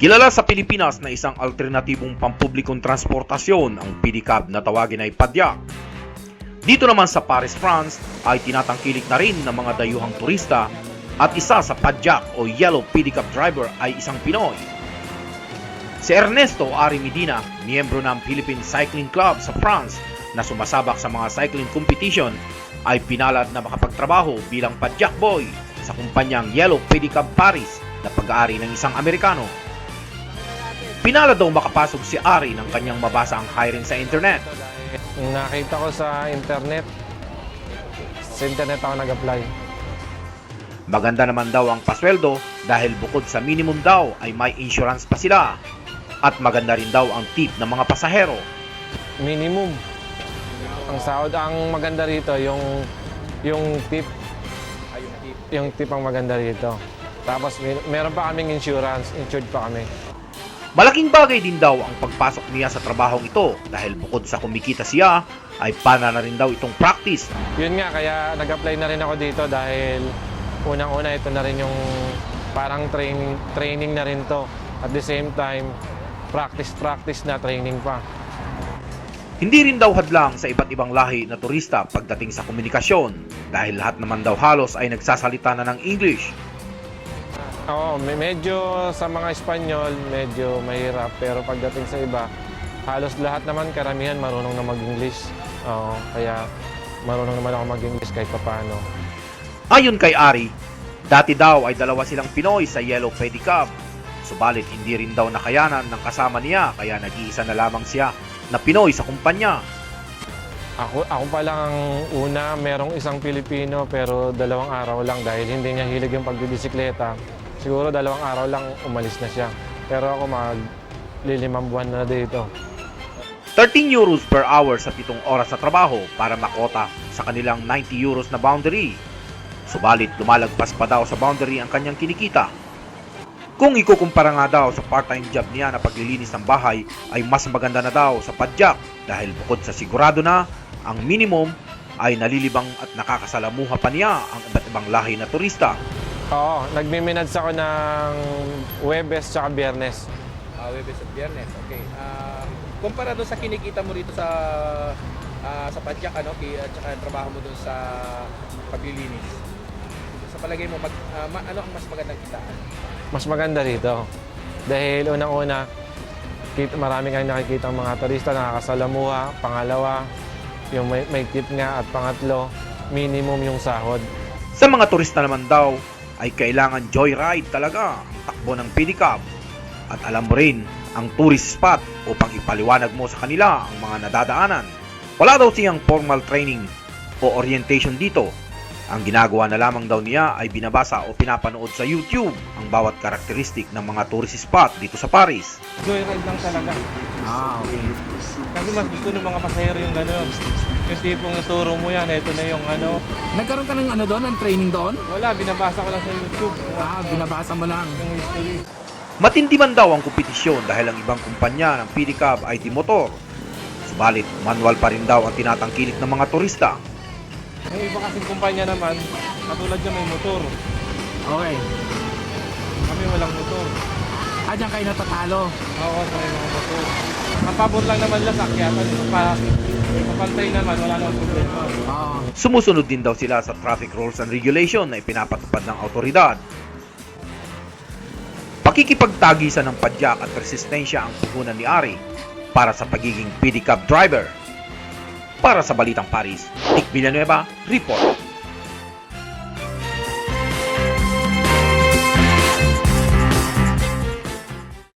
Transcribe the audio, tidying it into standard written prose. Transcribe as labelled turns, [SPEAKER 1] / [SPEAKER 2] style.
[SPEAKER 1] Kilala sa Pilipinas na isang alternatibong pampublikong transportasyon ang pedicab na tawagin ay padyak. Dito naman sa Paris, France ay tinatangkilik na rin ng mga dayuhang turista at isa sa padyak o yellow pedicab driver ay isang Pinoy. Si Ernesto Ari Medina, miyembro ng Philippine Cycling Club sa France na sumasabak sa mga cycling competition, ay pinalad na makapagtrabaho bilang padyak boy sa kumpanyang Yellow Pedicab Paris na pag-aari ng isang Amerikano. Pinalad daw makapasok si Ari ng kanyang mabasa ang hiring sa internet.
[SPEAKER 2] Nakita ko sa internet ako nag-apply.
[SPEAKER 1] Maganda naman daw ang pasweldo dahil bukod sa minimum daw ay may insurance pa sila. At maganda rin daw ang tip ng mga pasahero.
[SPEAKER 2] Minimum. Ang sahod ang maganda rito, yung tip. Yung tip ang maganda rito. Tapos meron pa kaming insurance, insured pa kami.
[SPEAKER 1] Malaking bagay din daw ang pagpasok niya sa trabahong ito dahil bukod sa kumikita siya, ay pana na rin daw itong practice.
[SPEAKER 2] Yun nga, kaya nag-apply na rin ako dito dahil unang-una ito na rin yung parang training na rin to. At the same time, practice na training pa.
[SPEAKER 1] Hindi rin daw hadlang sa iba't ibang lahi na turista pagdating sa komunikasyon dahil lahat naman daw halos ay nagsasalita na ng English.
[SPEAKER 2] Oo, medyo sa mga Espanyol, medyo mahirap. Pero pagdating sa iba, halos lahat naman, karamihan marunong na mag-English. Oo, kaya marunong naman ako mag-English kahit paano.
[SPEAKER 1] Ayon kay Ari, dati daw ay dalawa silang Pinoy sa Yellow Pedicab. Subalit hindi rin daw nakayanan ng kasama niya kaya nag-iisa na lamang siya na Pinoy sa kumpanya.
[SPEAKER 2] Ako pa lang ang una, merong isang Pilipino pero 2 araw lang dahil hindi niya hilig yung pagbibisikleta. Siguro 2 araw lang umalis na siya. Pero ako mag-5 buwan na dito.
[SPEAKER 1] 13 euros per hour sa 7 oras sa trabaho para makota sa kanilang 90 euros na boundary. Subalit lumalagpas pa daw sa boundary ang kanyang kinikita. Kung ikukumpara nga daw sa part-time job niya na paglilinis ng bahay ay mas maganda na daw sa padyak dahil bukod sa sigurado na ang minimum ay nalilibang at nakakasalamuha pa niya ang iba't ibang lahi na turista.
[SPEAKER 2] Oo, nagmiminads ako ng Huwebes at Biyernes.
[SPEAKER 3] Huwebes at Biyernes, okay. Kumpara doon sa kinikita mo rito sa padyak, at saka trabaho mo doon sa paglilinis. Sa palagay mo, ano ang mas magandang kitaan?
[SPEAKER 2] Mas maganda rito. Dahil unang-una, marami kayong nakikita ang mga turista, nakakasalamuha. Pangalawa, yung may tip nga. At pangatlo, minimum yung sahod.
[SPEAKER 1] Sa mga turista naman daw, ay kailangan joyride talaga ang takbo ng pedicab. At alam mo rin ang tourist spot upang ipaliwanag mo sa kanila ang mga nadadaanan. Wala daw siyang formal training o orientation dito. Ang ginagawa na lamang daw niya ay binabasa o pinapanood sa YouTube ang bawat karakteristik ng mga tourist spot dito sa Paris.
[SPEAKER 3] Joyride lang talaga.
[SPEAKER 2] Okay.
[SPEAKER 3] Kasi mas gusto ng mga pasahero yung gano'n. Yung tipong naturo mo yan, ito na yung ano.
[SPEAKER 4] Nagkaroon ka ng ano doon, ng training doon?
[SPEAKER 3] Wala, binabasa ko lang sa YouTube.
[SPEAKER 4] Binabasa mo lang.
[SPEAKER 3] Yung history.
[SPEAKER 1] Matindi man daw ang kompetisyon dahil ang ibang kumpanya ng pedicab ay di-motor. Subalit, manual pa rin daw ang tinatangkilik ng mga turista.
[SPEAKER 3] Yung iba kasing kumpanya naman, katulad dyan may motor.
[SPEAKER 4] Okay.
[SPEAKER 3] Kami walang motor.
[SPEAKER 4] Diyan kayo natatalo.
[SPEAKER 3] Oo, sa may mga motor. Ang pabor lang naman lang sakyatan. Kapantay naman, wala naman problema.
[SPEAKER 4] Oo.
[SPEAKER 1] Sumusunod din daw sila sa traffic rules and regulation na ipinapatupad ng autoridad. Pakikipagtagisan ng padyak at resistensya ang puhunan ni Ari para sa pagiging pedicab driver. Para sa Balitang Paris, Nick Villanueva, Report.